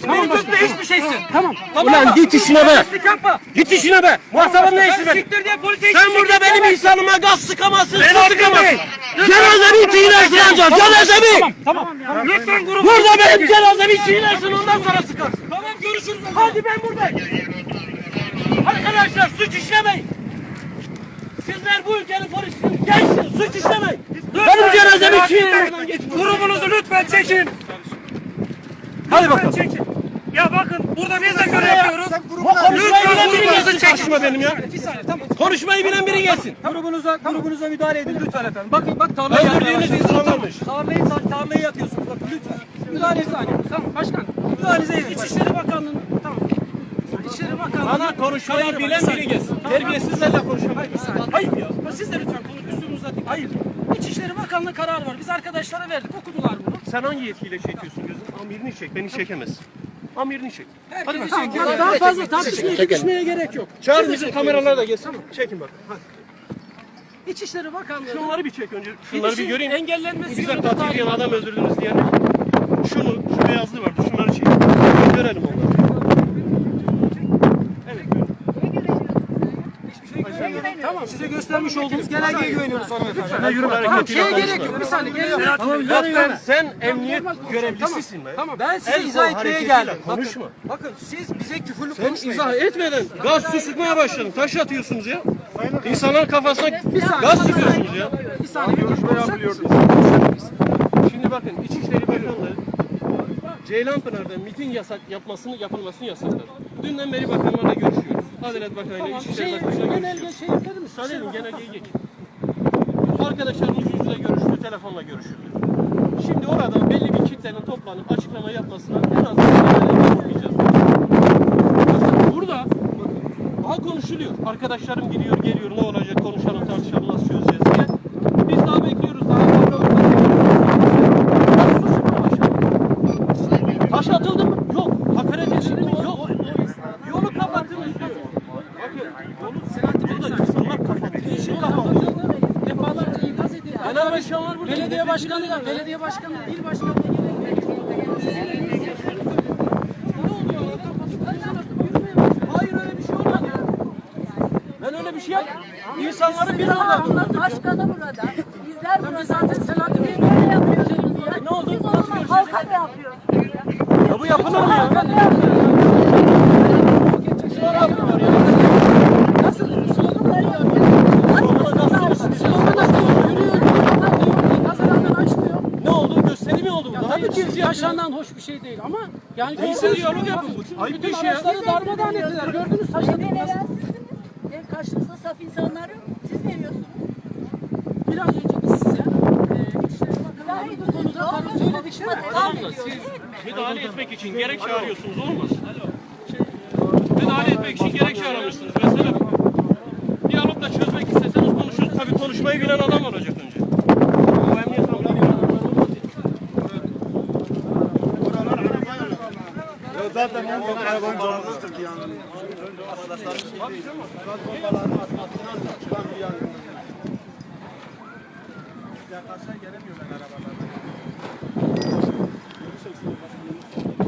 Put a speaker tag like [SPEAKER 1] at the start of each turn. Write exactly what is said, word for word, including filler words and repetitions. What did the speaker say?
[SPEAKER 1] beni tutma hiçbir şeysin.
[SPEAKER 2] Tamam.
[SPEAKER 3] Ulan git işine be.
[SPEAKER 1] Yapma.
[SPEAKER 3] Git işine be. Muhatabın ne işi be?
[SPEAKER 1] Siktir diye polise
[SPEAKER 3] Sen burada benim insanıma gaz sıkamazsın, su sıkamazsın. Cenazemi çiğnersin ancak, cenazemi.
[SPEAKER 2] Tamam. Tamam.
[SPEAKER 1] Lütfen grubu.
[SPEAKER 3] Burada benim cenazemi çiğnersin, ondan sonra sıkarsın.
[SPEAKER 1] Tamam görüşürüz.
[SPEAKER 3] Hadi ben buradayım. Arkadaşlar suç işlemeyin. Sizler bu ülkenin polisisiniz, gençsiniz, suç işlemeyin. Benim cenazemi çiğneyin.
[SPEAKER 1] Grubunuzu lütfen çekin.
[SPEAKER 3] Hadi bakalım.
[SPEAKER 1] Çekin. Ya bakın burada biz de görev yapıyoruz.
[SPEAKER 3] Bu konuşmayı bilen biri
[SPEAKER 1] grubunuzu
[SPEAKER 3] gelsin
[SPEAKER 1] çekin.
[SPEAKER 3] karşıma benim ya.
[SPEAKER 2] Bir saniye tamam.
[SPEAKER 3] Konuşmayı bilen biri gelsin.
[SPEAKER 2] Grubunuza, grubunuza müdahale edin lütfen efendim. Bakın bak tarlayı
[SPEAKER 3] Öldürdüğünüz insanlarmış.
[SPEAKER 2] Tarlayı, tarlayı yatıyorsunuz bakın lütfen. Müdahale edin. Tamam başkan. Müdahalenize edin. İçişleri Bakanlığı'nın tamam. İçişleri Bakanlığı.
[SPEAKER 3] Bana konuşmayı bilen biri gelsin. Terbiyesizlerle konuşamayız.
[SPEAKER 2] Hayır ya. Siz de lütfen konu üstünüzü atın. Hayır. İçişleri Bakanlığı kararı var. Biz arkadaşlara verdik. Okudular bunu.
[SPEAKER 3] Sen hangi yetkiyle çekiyorsun gözüm? Amirini çek, beni çekemez. Amirini çek.
[SPEAKER 2] Hadi bakalım. Daha fazla tartışmaya gitmeye gerek yok.
[SPEAKER 3] Çağır bizim kameralar da gelsin. Çekin bak. Hadi.
[SPEAKER 2] İçişleri Bakanlığı.
[SPEAKER 3] Şunları bir çek önce. Şunları bir
[SPEAKER 2] Gidişin
[SPEAKER 3] göreyim.
[SPEAKER 2] engellenmesi
[SPEAKER 3] Güzel
[SPEAKER 2] yolunda
[SPEAKER 3] katil diyen
[SPEAKER 2] talimat.
[SPEAKER 3] adam öldürdünüz diye. Şunu, şu beyazlı vardı. Şunları çek. Görelim onları. Evet.
[SPEAKER 2] Tamam size göstermiş olduğumuz genelgeye güveniyoruz hanımefendi.
[SPEAKER 3] Yürü
[SPEAKER 2] Tamam şeye gerek yok. Bir saniye gelin. Tamam
[SPEAKER 3] Lütfen sen emniyet görevlisisin be.
[SPEAKER 2] Tamam ben size
[SPEAKER 3] El
[SPEAKER 2] izah
[SPEAKER 3] kol
[SPEAKER 2] etmeye
[SPEAKER 3] hareketiyle
[SPEAKER 2] geldim.
[SPEAKER 3] konuşma.
[SPEAKER 2] Bakın, bakın siz bize küfürlü
[SPEAKER 3] Sen
[SPEAKER 2] konuşmayın.
[SPEAKER 3] izah etmeden gaz su sıkmaya başladın. Taş atıyorsunuz ya. İnsanların kafasına
[SPEAKER 2] Bir saniye,
[SPEAKER 3] gaz
[SPEAKER 2] bir
[SPEAKER 3] sıkıyorsunuz
[SPEAKER 2] saniye.
[SPEAKER 3] ya.
[SPEAKER 2] Bir saniye bir görüşme yapılıyordu.
[SPEAKER 3] Şimdi bakın İçişleri Bakanlığı Ceylanpınar'da miting yasak yapmasını yapılmasını yasakladı. Dünden beri bakanlarla görüşüyoruz. Adalet Bakanı'yla
[SPEAKER 2] Tamam
[SPEAKER 3] İçişleri
[SPEAKER 2] şey,
[SPEAKER 3] Bakanı'yla
[SPEAKER 2] genelge
[SPEAKER 3] görüşüyoruz.
[SPEAKER 2] şey yapalım mı?
[SPEAKER 3] Müsaade edin genelgeyi geç. Arkadaşlarımız yüz yüze görüştü, telefonla görüşüldü. Şimdi orada belli bir kitlenin toplanıp açıklama yapmasına en az yapmayacağız. Burada daha konuşuluyor. Arkadaşlarım gidiyor, geliyor, ne olacak, konuşalım, tartışalım, nasıl çözeceğiz diye. Biz daha bekliyoruz, daha bakalım. Taş atıldı mı? Yok. Hakaret edildi mi? Yok. Yolu kapattınız diyor. Bakın, yolu burada insanlar kapattı. Yeşil kapattı.
[SPEAKER 2] Defalarca ikaz edildi.
[SPEAKER 3] Genel başkanlar burada.
[SPEAKER 2] Belediye başkanı, belediye başkanı, il başkanı.
[SPEAKER 3] Hayır öyle bir şey olmadı. Ben öyle bir şey yapmadım. İnsanları bir arada tuttum.
[SPEAKER 4] Başkanı burada. Bizler burada.
[SPEAKER 2] Zaten Selahattin Bey
[SPEAKER 4] Böyle yapıyorsunuz ya.
[SPEAKER 3] Ne oldu?
[SPEAKER 4] Siz o
[SPEAKER 3] Nasıl
[SPEAKER 4] zaman
[SPEAKER 3] görüşeceğiz?
[SPEAKER 4] halka mı yapıyorsunuz ya?
[SPEAKER 3] Ya bu yapılır mı ya?
[SPEAKER 4] Halka mı yapıyorsunuz?
[SPEAKER 3] Sonra yapıyorlar ya.
[SPEAKER 4] Nasıl? Slogan veriyor.
[SPEAKER 2] slogan atıyor, yürüyor, kazalardan açmıyor.
[SPEAKER 3] Ne oldu? Gösteri mi oldu bu? Daha
[SPEAKER 2] Tabii
[SPEAKER 3] yetişsiz
[SPEAKER 2] ki
[SPEAKER 3] yapıyorlar.
[SPEAKER 2] yaşanan hoş bir şey değil ama yani
[SPEAKER 3] Neyse
[SPEAKER 2] gördünüz,
[SPEAKER 3] diyalog yapın. Bu ayıp bir
[SPEAKER 2] bütün
[SPEAKER 3] şey ya.
[SPEAKER 2] araçları darmadağın ettiler. Gördünüz taşladık.
[SPEAKER 4] Beni veren sizsiniz. Benim karşınızda saf insanlar yok. Siz veriyorsunuz.
[SPEAKER 2] Biraz önce biz size e, İçişleri Bakanlığı'nın bu konuda tabii söyledik değil mi?
[SPEAKER 3] Tamam da siz müdahale etmek için gerek çağırıyorsunuz olmaz. Müdahale etmek için gerek çağırmışsınız mesela. Diyalogla çözmek isteseniz konuşuruz. Tabii konuşmayı bilen adam olacak önce. Bu emniyet amiri
[SPEAKER 5] Zaten bu arabanın canlısı ki yani. Yaklaşsa gelemiyorlar arabalardan.